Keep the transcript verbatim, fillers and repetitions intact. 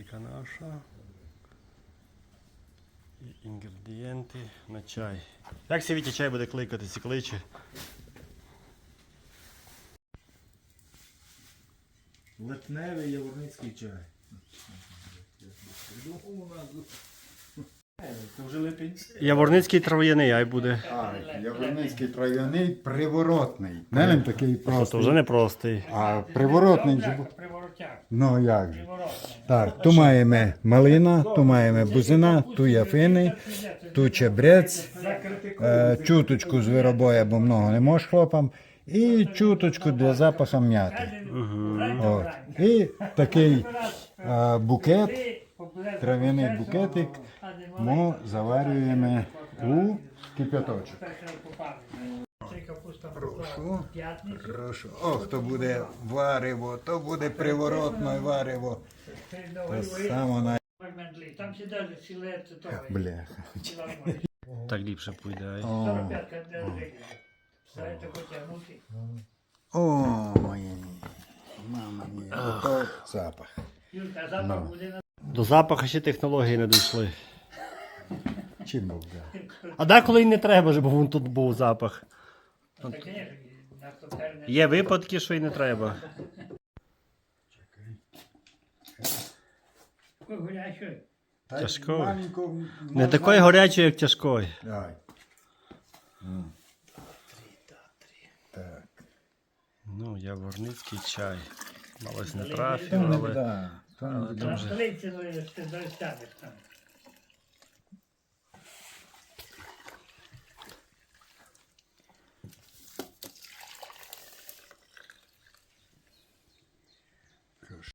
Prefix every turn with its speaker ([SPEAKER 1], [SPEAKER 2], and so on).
[SPEAKER 1] Баночка наша. І інгредієнти на чай. Як сі Вітя чай буде кликатись і кличе?
[SPEAKER 2] Липневий яворницький чай. Це вже липень.
[SPEAKER 1] Яворницький трав'яний, ай буде.
[SPEAKER 3] А, яворницький трав'яний приворотний. Не він такий
[SPEAKER 1] Це
[SPEAKER 3] простий.
[SPEAKER 1] вже не простий.
[SPEAKER 3] А приворотний же. був.
[SPEAKER 4] Приворотяк.
[SPEAKER 3] Ну як же.
[SPEAKER 4] Приворотний.
[SPEAKER 3] Так, тут маємо малина, тут маємо бузина, тут яфини, тут чебрець, е, чуточку звиробоя, бо много не можеш хлопам, і чуточку для запаху м'яти. От. І такий е, букет, трав'яний букетик, ми заварюємо у кип'яточок. Прошу. Прошу. Ох, то буде варево, то буде приворотне варево. То саме на...
[SPEAKER 4] Там сідали сілець того.
[SPEAKER 3] Бляха.
[SPEAKER 1] Так ліпше пойде. Ай.
[SPEAKER 3] О,
[SPEAKER 4] сорок п'ять де все це потягнути.
[SPEAKER 3] о, моє. Мама мія, то запах.
[SPEAKER 4] Юрка, запах буде на
[SPEAKER 1] До запаху ще технології не дійшли.
[SPEAKER 3] Чим Бог дав?
[SPEAKER 1] А деколи й не треба, щоб вон тут був запах.
[SPEAKER 4] таке, на хто терне.
[SPEAKER 1] Є випадки, що й не треба.
[SPEAKER 4] Гуляючи.
[SPEAKER 3] Та
[SPEAKER 1] Тяжко.
[SPEAKER 3] маленько
[SPEAKER 1] Не
[SPEAKER 3] можна-
[SPEAKER 1] такої гарячої, як тяжкої.
[SPEAKER 3] Давай. М. Так.
[SPEAKER 1] Ну, яворницький чай. Малось не
[SPEAKER 3] То
[SPEAKER 1] трафив,
[SPEAKER 3] не
[SPEAKER 1] але...
[SPEAKER 3] да, то не
[SPEAKER 1] але
[SPEAKER 3] буде.
[SPEAKER 1] там
[SPEAKER 4] На
[SPEAKER 1] же-
[SPEAKER 4] столиці, ну, ти достанеш там.